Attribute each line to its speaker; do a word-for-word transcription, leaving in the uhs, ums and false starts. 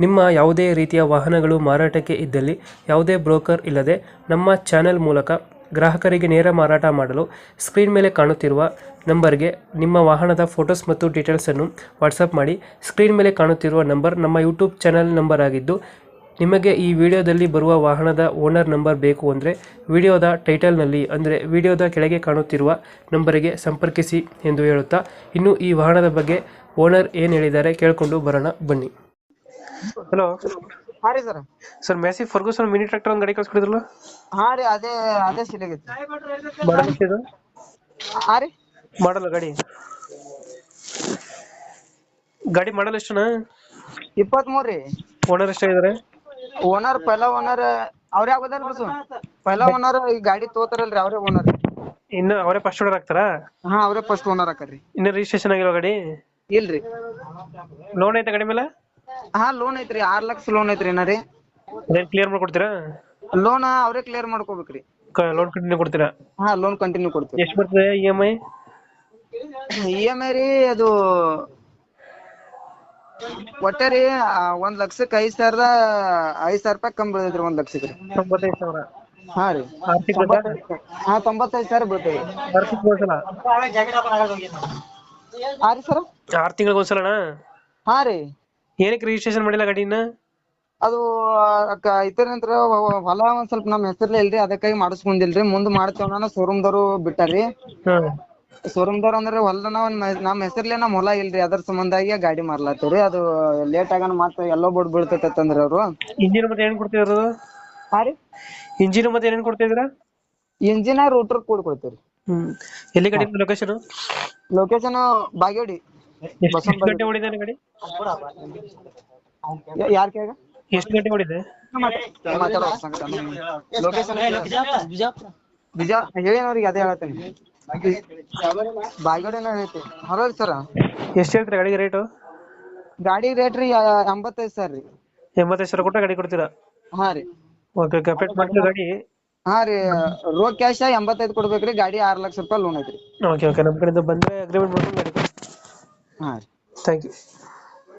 Speaker 1: ನಿಮ್ಮ ಯಾವುದೇ ರೀತಿಯ ವಾಹನಗಳು ಮಾರಾಟಕ್ಕೆ ಇದ್ದಲ್ಲಿ ಯಾವುದೇ ಬ್ರೋಕರ್ ಇಲ್ಲದೆ ನಮ್ಮ ಚಾನೆಲ್ ಮೂಲಕ ಗ್ರಾಹಕರಿಗೆ ನೇರ ಮಾರಾಟ ಮಾಡಲು ಸ್ಕ್ರೀನ್ ಮೇಲೆ ಕಾಣುತ್ತಿರುವ ನಂಬರ್ಗೆ ನಿಮ್ಮ ವಾಹನದ ಫೋಟೋಸ್ ಮತ್ತು ಡೀಟೇಲ್ಸನ್ನು ವಾಟ್ಸಪ್ ಮಾಡಿ. ಸ್ಕ್ರೀನ್ ಮೇಲೆ ಕಾಣುತ್ತಿರುವ ನಂಬರ್ ನಮ್ಮ ಯೂಟ್ಯೂಬ್ ಚಾನೆಲ್ ನಂಬರ್ ಆಗಿದ್ದು, ನಿಮಗೆ ಈ ವಿಡಿಯೋದಲ್ಲಿ ಬರುವ ವಾಹನದ ಓನರ್ ನಂಬರ್ ಬೇಕು ಅಂದರೆ ವಿಡಿಯೋದ ಟೈಟಲ್ನಲ್ಲಿ ಅಂದರೆ ವಿಡಿಯೋದ ಕೆಳಗೆ ಕಾಣುತ್ತಿರುವ ನಂಬರಿಗೆ ಸಂಪರ್ಕಿಸಿ ಎಂದು ಹೇಳುತ್ತಾ, ಇನ್ನು ಈ ವಾಹನದ ಬಗ್ಗೆ ಓನರ್ ಏನು ಹೇಳಿದ್ದಾರೆ ಕೇಳಿಕೊಂಡು ಬರೋಣ ಬನ್ನಿ. ಹಲೋ
Speaker 2: ಹಾ ರೀ sir.
Speaker 1: Sir, Massey Ferguson mini tractor ಒಂದು ಗಾಡಿ ಕಳ್ಸ್ಕೊಡಿದ್ರಲ್ಲ,
Speaker 2: ಹಾ ರೀ, ಅದೇ ಅದೇ ಸಿಲಿಗೈತಿ.
Speaker 1: ಮಾಡಲ್ ಎಷ್ಟಿದೆ?
Speaker 2: ಹಾ ರೀ,
Speaker 1: ಮಾಡಲ್ಲ ಗಾಡಿ ಗಾಡಿ ಮಾಡಲ್ ಎಷ್ಟುನಾ?
Speaker 2: ಇಪ್ಪತ್ತ್ ಮೂರ್ ರೀ.
Speaker 1: ಓನರ್ ಎಷ್ಟಾಗಿದ್ದಾರೆ?
Speaker 2: ಓನರ್ ಪೈಲ ಓನರ್ ಅವ್ರೇ ಆಗೋದಲ್ರಿ ಬಸ್. ಪೈಲ ಓನರ್ ಈ ಗಾಡಿ ತೋತಾರಲ್ರಿ ಅವ್ರೇ ಓನರ್.
Speaker 1: ಇನ್ನು ಅವರೇ ಫಸ್ಟ್ ಓನರ್ ಆಗ್ತಾರಾ?
Speaker 2: ಹಾ, ಅವ್ರೇ ಫಸ್ಟ್ ಓನರ್ ಆಕಾರ್ರಿ.
Speaker 1: ಇನ್ನು ರಿಜಿಸ್ಟ್ರೇಷನ್ ಆಗಿರೋ ಗಾಡಿ?
Speaker 2: ಇಲ್ರಿ.
Speaker 1: ಲೋನ್ ಐತೆ ಗಾಡಿ ಮೇಲೆ?
Speaker 2: ಹಾ, ಲೋನ್ ಐತ್ರಿ. ಆರ್ ಲಕ್ಷ ಲೋನ್ ಐತ್ರಿ. ಏನ ರೀ
Speaker 1: ಅದೇನ್ ಕ್ಲಿಯರ್ ಮಾಡ್ಕೊಡ್ತೀರಾ?
Speaker 2: ಲೋನ್ ಅವ್ರೇ ಕ್ಲಿಯರ್ ಮಾಡ್ಕೋಬೇಕ್ರಿ.
Speaker 1: ಲೋನ್ ಕಂಟಿನ್ಯೂ ಕೊಡ್ತೀರಾ?
Speaker 2: ಹಾ, ಲೋನ್ ಕಂಟಿನ್ಯೂ ಕೊಡ್ತೀವಿ.
Speaker 1: ಎಷ್ಟು ಬರ್ತದೆ E M I?
Speaker 2: E M I ರೀ ಅದು ಒಟ್ಟೆ ರೀ ಒಂದ್ ಲಕ್ಷಕ್ಕೆ ಐದ್ ಸಾವಿರದ ಐದ್ ಸಾವಿರ ರೂಪಾಯಿ ಕಮ್ಮಿ ಬೀಳ್ತೈತ್ರಿ. ಒಂದ್ ಲಕ್ಷಕ್ಕೆ ರೀ
Speaker 1: ತೊಂಬತ್ತೈದು ಸಾವಿರ.
Speaker 2: ಹಾ ರೀ,
Speaker 1: ಆರ್ಥಿಕ
Speaker 2: ಹಾ ತೊಂಬತ್ತೈದು ಸಾವಿರ ಬೀಳ್ತೈತಿ.
Speaker 1: ಆರ್ಥಿಕ ಒಂದ್ಸಲ
Speaker 2: ಹಾ ರೀ ಸರ್.
Speaker 1: ಆರ್ ತಿಂಗಳಿಗೆ ಒಂದ್ಸಲನಾ?
Speaker 2: ಹಾ ರೀ.
Speaker 1: ಏನಕ್ಕೆ ರಿಜಿಸ್ಟ್ರೇಷನ್ ಮಾಡಿಲ್ಲ ಗಾಡಿನ?
Speaker 2: ಅದು ಇತರ ನಂತರ ಹೊಲ ಒಂದ್ ಸ್ವಲ್ಪ ನಮ್ ಹೆಸರ್ಲೆ ಇಲ್ರಿ, ಅದಕ್ಕಾಗಿ ಮಾಡಿಸ್ಕೊಂಡಿಲ್ರಿ. ಮುಂದ್ ಮಾಡ್ತೇವನ ಶೋರೂಮ್ ದವ್ರು ಬಿಟ್ಟಾರಿ.
Speaker 1: ಹ್ಮ್.
Speaker 2: ಶೋರೂಮ್ ದವ್ರ ಅಂದ್ರೆ ಹೊಲನ ನಮ್ ಹೆಸರ್ಲೆ ನಮ್ ಹೊಲ ಇಲ್ರಿ, ಅದ್ರ ಸಂಬಂಧಾಗಿ ಗಾಡಿ ಮಾರ್ಲಾತೀವ್ರಿ. ಅದು ಲೇಟ್ ಆಗನ ಮತ್ತ ಎಲ್ಲೋ ಬೋರ್ಡ್ ಬೀಳ್ತೈತೆ ಅಂದ್ರಿ ಅವ್ರು.
Speaker 1: ಇಂಜಿನ್ ಮತ್ತೆ ಏನೇನ್ ಕೊಡ್ತಿದ್ರು?
Speaker 2: ಹಾ ರೀ,
Speaker 1: ಇಂಜಿನ್ ಮತ್ತೆ ಏನೇನ್ ಕೊಡ್ತಿದ್ರ?
Speaker 2: ಇಂಜಿನ್ ರೂಟರ್ ಕೂಡ ಕೊಡ್ತೀವ್ರಿ.
Speaker 1: ಹ್ಮ್. ಎಲ್ಲಿ ಗಾಡಿ ಲೊಕೇಶನ್?
Speaker 2: ಲೊಕೇಶನ್ ಬಾಗೇವಾಡಿ.
Speaker 1: ಎಷ್ಟು ಗಂಟೆ ಓಡಿದೆ ಗಾಡಿ?
Speaker 2: ಯಾರ್ ಕೇಳ
Speaker 1: ಎಷ್ಟು ಗಂಟೆ ಓಡಿದೆ?
Speaker 2: ಲೊಕೇಶನ್ ಬಿಜಾ ಹೇಳಿನವ್ರಿಗೆ ಅದೇ ಹೇಳತ್ತೇನೆ. ಬಾಗೇವಾಡಿನ ಐತಿ. ಹಲೋ ಸರ್,
Speaker 1: ಎಷ್ಟು ಹೇಳ್ತೀರಾ ಗಾಡಿಗೆ ರೇಟು?
Speaker 2: ಗಾಡಿ ರೇಟ್ ರೀ ಎಂಬತ್ತೈದು ಸಾವಿರ ರೀ.
Speaker 1: ಎಂಬತ್ತೈದು ಸಾವಿರ ಕೊಟ್ಟ ಗಾಡಿ ಕೊಡ್ತೀರಾ?
Speaker 2: ಹಾ ರೀ.
Speaker 1: Okay okay. ಅಪ್ಡೇಟ್ ಮಾಡ್ತೀರಾ ಗಾಡಿ?
Speaker 2: ಹಾ ರೀ, ರೋಡ್ ಕ್ಯಾಶ್ ಎಂಬತ್ತೈದು ಕೊಡ್ಬೇಕ್ರಿ. ಗಾಡಿ ಆರ್ ಲಕ್ಷ ರೂಪಾಯಿ ಲೋನ್ ಐತ್ರಿ.
Speaker 1: Okay okay. ನಮ್ಮ ಕಡೆಯಿಂದ ಬಂದ್ರೆ ಅಗ್ರಿಮೆಂಟ್ ಮಾಡ್ಕೊಂಡು ಗಾಡಿ ಕೊಡಿ.
Speaker 2: ಹಾ ರೀ.
Speaker 1: Thank you.